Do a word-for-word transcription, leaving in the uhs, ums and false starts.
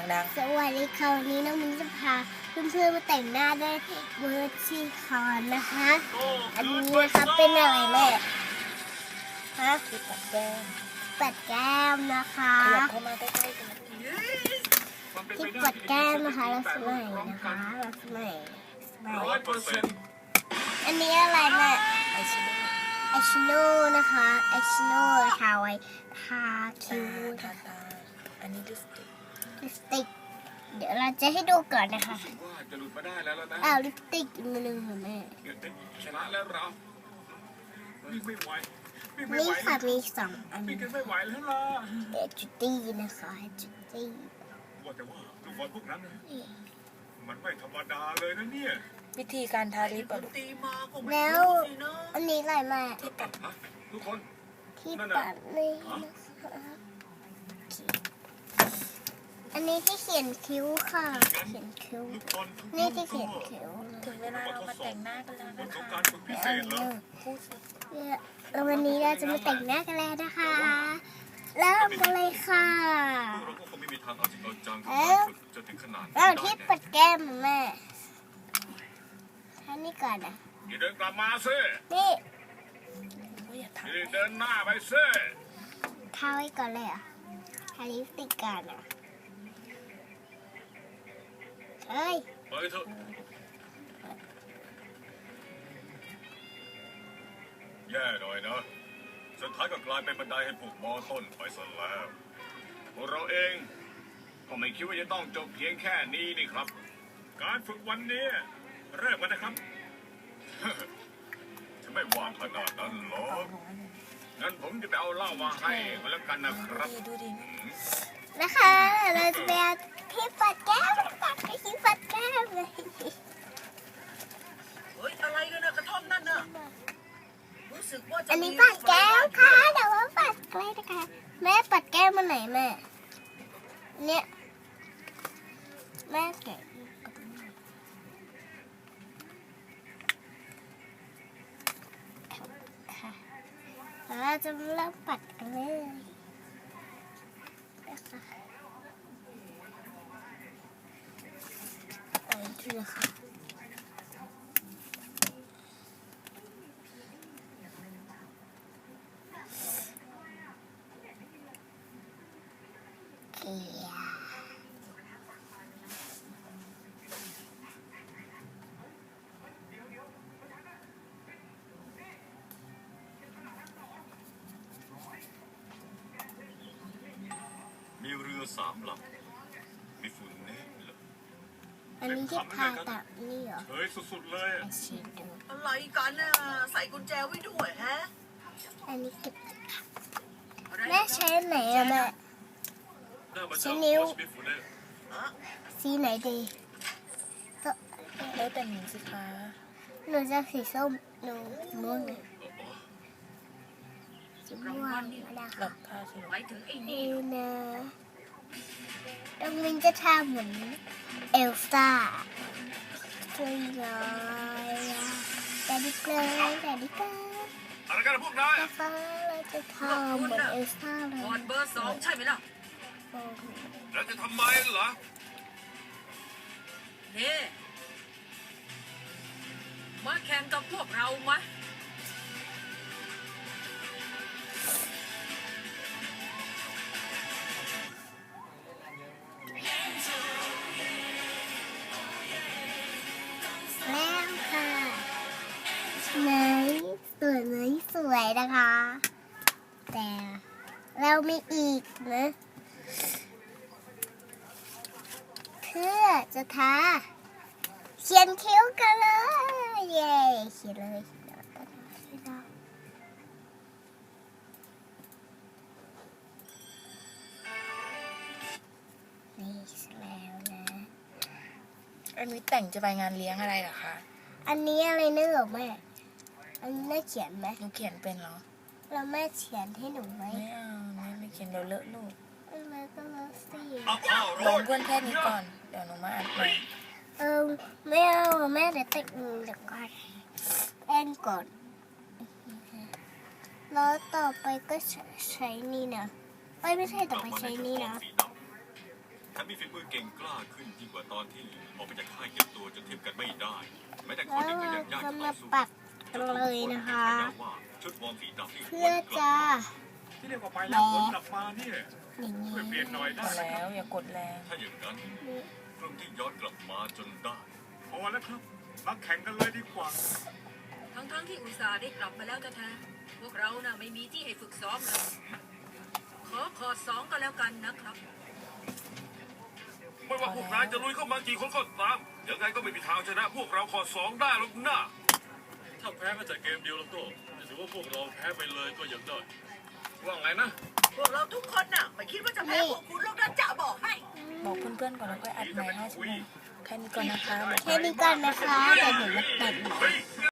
ดังสวัสดีค่ะวันนี้น้องมิ้นจะพาเพื่อนๆมาแต่งหน้าด้วยเวอร์ชิคอนนะคะอันนี้นะคะเป็นอะไรแม่ฮะๆที่ปัดแก้มปัดแก้มนะคะขยับเข้ามาใกล้ๆกันที่ปัดแก้มนะคะลักษณะนะคะลักษณะสมัยร้อยเปอร์เซ็นต์อันนี้อะไรแม่ไอชิโดไอชิโน่นะคะไอชิโน่ทาไว้ทาคิ้วทาตาอันนี้ลิปสติกลิปสติกเดี๋ยวเราจะให้ดูก่อนนะคะรู้สึกว่าจะหลุดมาได้แล้วแล้วนะอ้าวลิปสติกอีกมือหนึ่งเหรอแม่ชนะแล้วเราวิ่งไม่ไหววิ่งไม่นี่ไหวค่ะมีสองอันวิ่งกันไม่ไหวแล้วล่ะเอจูตี้นะคะเอจูตี้ว่าแต่ว่าลูกบอลพวกนั้นนะมันไม่ธรรมดาเลยนะเนี่ยวิธีการทาลิปอะลูกแล้วอันนี้อะไรแม่ที่ปัดฮะทุกคนที่ปัดนี่นะคะอันนี้ที่เขียนคิ้วค่ะเขียนคิ้วลูกบอลทุกนี่ลูที่กเขียนก็คิ้วนะถึงเวลาเรามาแต่งหน้ากันแล้วบนะนของคะการฝึกพิเศอันษเหรนี้อพูดสิแล้ววันนี้เราจะมาแต่งหน้ากันแล้วนะคะเริ่มกันเลยค่ะเราก็คงไม่มีทางเอาจริงเอาจังกับเอ้าการฝึกจนถึงขนาดนี้เริ่มที่ปัดแก้มแม่ท่านี่ก่อนนะนี่เดินกลับมาซินี่โอ้ยอย่าทานี่เดินหน้าไปซิทาไว้ก่อนเลยเหรอ่ะทาลิปสติกก่อนอ่ะเฮ้ยไปเถอะแย่หน่อยนะสุดท้ายก็กลายเป็นบันไดให้พวกมอต้นไปซะแล้วพวกเราเองก็ไม่คิดว่าจะต้องจบเพียงแค่นี้นี่ครับ การฝึกวันนี้เริ่มกันนะครับ จะไม่ว่างขนาดนั้นหรอเอากหนูอันหนึ่งงั้นผมจะไปเอาเหล้ามาให้ก็แล้วกันนะครับดีดูดินะคะเราจะไปเอาที่ปัดแก้มปัดไปที่ปัดแก้มเลยเฮ้ยอะไรกันนะกระท่อมนั่นน่ะรู้สึกว่าจะอันนี้มีปัดแก้มค่ะแต่ว่าปัดใกล้นะคะแม่ปัดแก้มมันไหนแม่เนี่ยแม่แกะค่ะแล้วเราจะเริ่มปัดกันเลยนะคะเอาอีกทีละค่ะเกียร์มีเรือสามลำมีฝุ่นเน้นเลยอันนี้ที่ทาตัดนี่เหรอเฮ้ยสุดๆเลยไอชีดูอะไรกันน่ะใส่กุญแจไว้ด้วยแฮะอันนี้เก็บอะไรแม่ใช้ไหนอะแม่ได้มาใช้จากนิ้ววอชบิฟูเน่ฮะสีไหนดีก็แล้วแต่หนูสิคะหนูจะสีส้มหนูสีม่วงนะสีม่วงนะหลัคะบทาสิลูกหมายถึงไอ้นี่นี่นะตรงนี้จะทำเหมือนเอลซ่าสวยเลยแต่ดิเกลยแต่ดิเกลยอะไรกันนะพวกนายนะคะเราจะทำเหมือนเอลซ่าเลยบอลเบอร์สองใช่ไหมล่ะแล้วจะทำไมเหรอเฮ้มาแข่งกับพวกเราไหมแล้วค่ะไหนสวยไหมสวยนะคะ แต่เรามีอีกนะเพื่อจะทาเขียนคิ้วกันเลยเย้เขียนเลยเขียนเลยเขียนเลยนี่เสร็จแล้วนะอันนี้แต่งจะไปงานเลี้ยงอะไรเหรอคะอันนี้อะไรเนื้อแม่ อันนี้แม่เขียนไหมหนูเขียนเป็นเหรอแล้วแม่เขียนให้หนูไหมไม่เอาแม่ไม่เขียนเดี๋ยวเลอะลูกแม่ก็แล้วสิเอาเอาลงเพื่อนแค่นี้ก่อน เดี๋ยวหนูมาอัดใหม่เออไม่เอาแม่เดี๋ยวติดมือเดี๋ยวก่อนแอนก่อนแล้วต่อไปก็ใช้ใช้นี่นะเอ้ยไม่ใช่ต่อไปใช้นี่นะแถมมีฝีมือเก่งกล้าขึ้นยิ่งกว่าตอนที่ออกไปจากค่ายเก็บตัวจนเทียบกันไม่ได้แม้แต่คนแล้วเองก็เรายังยากก็จะต่มาอสู้ปักกันเลยนะคะชุดวอร์มสีดำที่เพื่อจะที่เรียกว่าไปแล้วผลกลับมาเนี่ยอย่างนี้ช่วยเปลี่ยนหน่อยพได้อแล้วอย่ากดแรงถ้าอย่างนั้นกลุ่มที่ย้อนกลับมาจนได้พอแล้วครับ มาแข่งกันเลยดีกว่าทั้งๆที่อุตส่าห์ได้กลับมาแล้วแท้ๆพวกเราน่ะไม่มีที่ให้ฝึกซ้อมเลยขอขอสองก็แล้วกันนะครับไม่ว่าพวกนายจะลุยเข้ามากี่คนก็ตามยังไงก็ไม่มีทางชนะพวกเราข้อสองได้หรอกนะถ้าแพ้ก็จะเกมเดียวแล้วก็ถือว่าพวกเราแพ้ไปเลยก็ยังได้ว่าไงนะพวกเราทุกคนน่ะไม่คิดว่าจะแพ้พวกคุณหรอกนะจะบอกให้บอกเพื่อนๆก่อนแล้วค่อยอัดใหม่ให้ใช่ไหมแค่นี้ก่อนนะคะบอกแค่นี้ก่อนนะคะแต่หนูมาแต่งเฮ้ย